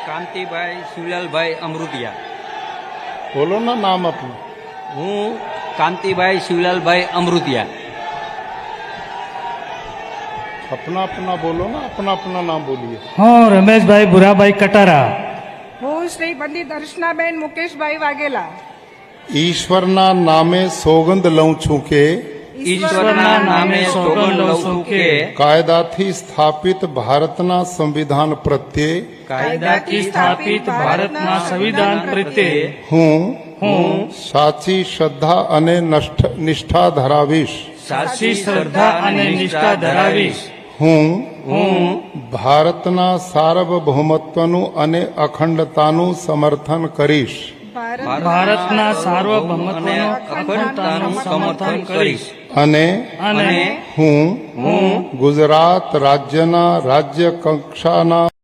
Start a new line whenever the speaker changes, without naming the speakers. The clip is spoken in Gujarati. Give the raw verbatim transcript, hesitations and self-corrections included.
કાંતિભાઈ શિવલાલભાઈ અમૃતિયા।
बोलो ना नाम अपना।
હું કાંતિભાઈ શિવલાલભાઈ અમૃતિયા।
अपना अपना बोलो ना, अपना अपना नाम बोलिए।
હું રમેશભાઈ ભુરાભાઈ કટારા।
હું શ્રી પંડિત દર્શનાબેન મુકેશભાઈ વાઘેલા।
ઈશ્વરના નામે સોગંદ લઉં છું કે
ઈશ્વરના નામે સોગંદ લઉં છું કે
કાયદાથી સ્થાપિત ભારતના સંવિધાન પ્રત્યે
કાયદાથી સ્થાપિત ભારતના સંવિધાન પ્રત્યે
હું
હું
સાચી શ્રદ્ધા અને નષ્ઠ- નિષ્ઠા ધરાવીશ।
સાચી શ્રદ્ધા અને નિષ્ઠા ધરાવીશ।
હું
હું
ભારતના સાર્વભૌમત્વનું અને અખંડતાનું સમર્થન કરીશ।
ભારતના સાર્વભૌમત્વનું અખંડતાનું સમર્થન કરીશ।
અને
અને
હું
હું
ગુજરાત રાજ્યના રાજ્ય કક્ષાના